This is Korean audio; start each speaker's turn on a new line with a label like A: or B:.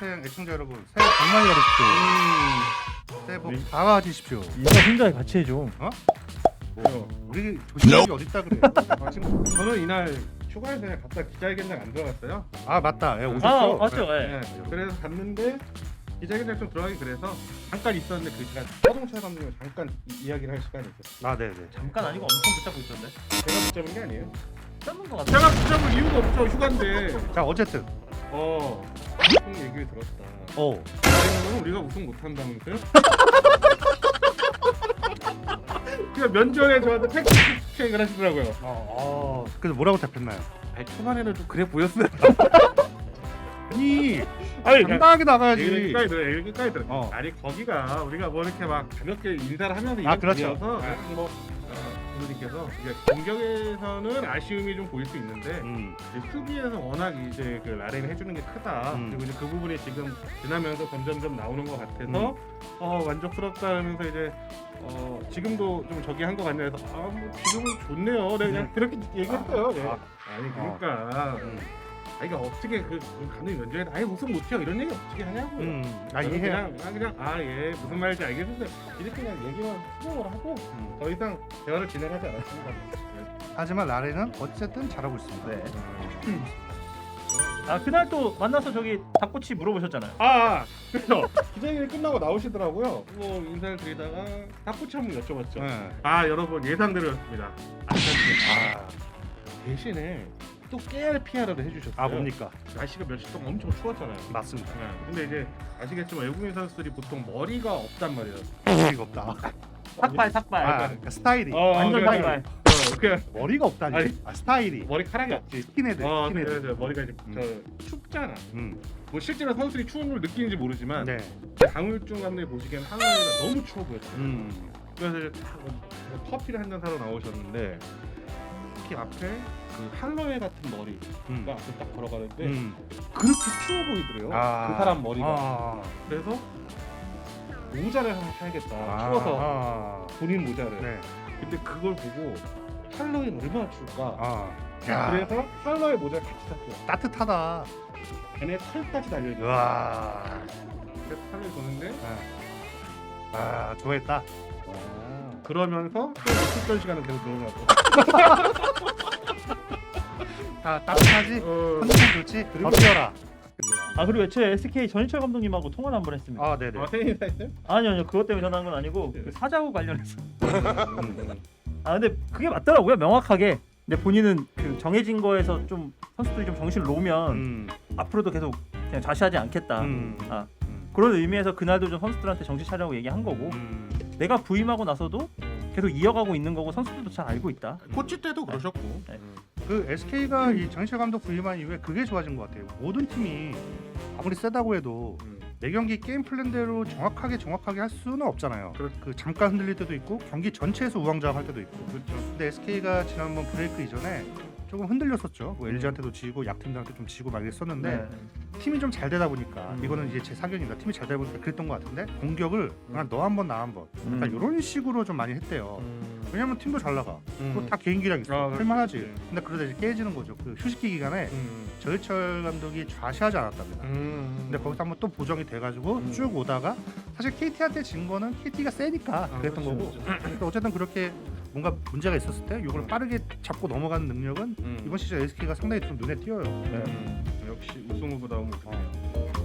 A: 팬 애청자 여러분 새해 복 많이 받으십시오. 새해 복 다 가지십시오.
B: 인사 혼자 같이 해줘.
A: 우리 조심력이 어딨다 그래.
C: 지금 저는 이날 휴가에서 그냥 갔다 기자회견장 안 들어갔어요.
A: 아 맞다. 예,
B: 아
A: 오셨죠?
B: 맞죠.
C: 네.
B: 예.
C: 그래서 갔는데 기자회견장 좀 들어가기 그래서 잠깐 있었는데 그 시간 서동철 감독님 잠깐 이야기를 할 시간이 있었어요.
A: 아 네네.
B: 잠깐 아니고 엄청 붙잡고 있던데.
C: 제가 붙잡은 게 아니에요.
B: 잡는 거 같아.
C: 제가 붙잡을 이유가 없죠. 휴가인데.
A: 자 어쨌든
C: 우승 얘기를 들었다. 그러면 우리가 우승 못한다면서요? 그냥 면전에 저한테 팩트 체크를 하시더라고요.
A: 그래서 뭐라고 답했나요?
C: 아니, 초반에는 좀 그래 보였어요.
A: 아니 당당하게 나가야지.
C: 여기까지 들어. 아니 거기가 우리가 뭐 이렇게 막 가볍게 인사를 하면서 이런
A: 그렇죠.
C: 분이어서 뭐 분들께서 공격에서는 아쉬움이 좀 보일 수 있는데 이제 수비에서 워낙 이제 그 라렌이 해주는 게 크다. 그리고 이제 그 부분이 지금 지나면서 점점점 나오는 것 같아서 만족스럽다면서 이제 지금도 좀 저기 한 것 같냐 해서 뭐 지금은 좋네요. 네, 그냥 그렇게 얘기했어요. 네. 아니 그러니까. 이게 어떻게 그 감독님 면접에서 아예 우승 못해요 이런 얘기 어떻게 하냐고요.
A: 이해.
C: 그냥 예 무슨 말인지 알겠는데 이렇게 그냥 얘기만 수긍을 하고 더 이상 대화를 진행하지 않았습니다.
A: 하지만 라렌은 어쨌든 잘하고 있습니다.
B: 네. 아 그날 또 만나서 저기 닭꼬치 물어보셨잖아요.
C: 그래서 기자회견이 끝나고 나오시더라고요. 뭐 인사를 드리다가 닭꼬치 한번 여쭤봤죠.
A: 네.
C: 여러분 예상대로였습니다. 대신에 또 깨알 PR을 해주셨어요.
A: 뭡니까?
C: 날씨가 며칠 동안 엄청 추웠잖아요.
A: 맞습니다.
C: 근데 이제 아시겠지만 외국인 선수들이 보통 머리가 없단 말이에요.
A: 머리가 없다.
B: 삭발.
A: 그러니까 스타일이
B: 완전
C: 그래.
B: 삭발.
C: 그냥
A: 머리가 없다니.
C: 아니,
A: 스타일이
C: 머리카락이 없지.
A: 스킨헤드. 스킨헤드.
C: 그래, 머리가 이제 춥잖아.
A: 음.
C: 뭐 실제로 선수들이 추운 걸 느끼는지 모르지만
A: 네.
C: 강울중 감독이 보시기엔 하노이가 너무 추워 보였어요. 그래서 이제 커피를 한 잔 사러 나오셨는데 특히 앞에 그 할로웨 같은 머리가 앞에 딱 걸어가는데 그렇게 추워 보이더래요. 그 사람 머리가. 그래서 모자를 하나 사야겠다. 추워서 본인 모자를.
A: 네.
C: 근데 그걸 보고 할로윈 얼마나 추울까.
A: 야.
C: 그래서 할로윈 모자를 같이 샀어요.
A: 따뜻하다.
C: 걔네 털까지 달려있어요.
A: 와.
C: 그래서 할로윈 보는데
A: 좋아했다.
C: 그러면서 또 있었던 시간은 계속 늘어나고.
A: 따뜻하지? 컨디션 좋지? 더 뛰어라.
B: 아 그리고 애초에 SK 전희철 감독님하고 통화를 한번 했습니다.
A: 네네.
C: 생일 인사했어요?
B: 아니요 그것 때문에 일어난 건 아니고 그 사자후 관련해서. 근데 그게 맞더라고요 명확하게. 근데 본인은 그 정해진 거에서 좀 선수들이 좀 정신을 놓으면 앞으로도 계속 그냥 좌시하지 않겠다. 그런 의미에서 그날도 좀 선수들한테 정신 차리라고 얘기한 거고 내가 부임하고 나서도 계속 이어가고 있는 거고 선수들도 잘 알고 있다.
C: 코치 때도 그러셨고.
A: 그 SK가 이 정희철 감독 부임한 이후에 그게 좋아진 것 같아요. 모든 팀이 아무리 세다고 해도 매 경기 게임 플랜대로 정확하게 할 수는 없잖아요. 그 잠깐 흔들릴 때도 있고 경기 전체에서 우왕좌왕할 때도 있고. 근데 SK가 지난번 브레이크 이전에 조금 흔들렸었죠. 뭐 LG한테도 지고 약팀들한테 좀 지고 막 이랬었는데 팀이 좀 잘 되다 보니까 이거는 이제 제 사견입니다. 팀이 잘 되다 보니까 그랬던 것 같은데 공격을 그냥 너 한 번 나 한 번 약간 이런 식으로 좀 많이 했대요. 왜냐면 팀도 잘 나가. 또 다 개인기량 있어. 할만하지. 근데 그러다 이제 깨지는 거죠. 그 휴식기 기간에 정희철 감독이 좌시하지 않았답니다. 근데 거기서 한번 또 보정이 돼가지고 쭉 오다가 사실 KT한테 진 거는 KT가 세니까 그랬던 거고. 근데 어쨌든 그렇게 뭔가 문제가 있었을 때 이걸 빠르게 잡고 넘어가는 능력은 이번 시즌 SK가 상당히 좀 눈에 띄어요.
C: 역시 우승 후보다운 모습이에요.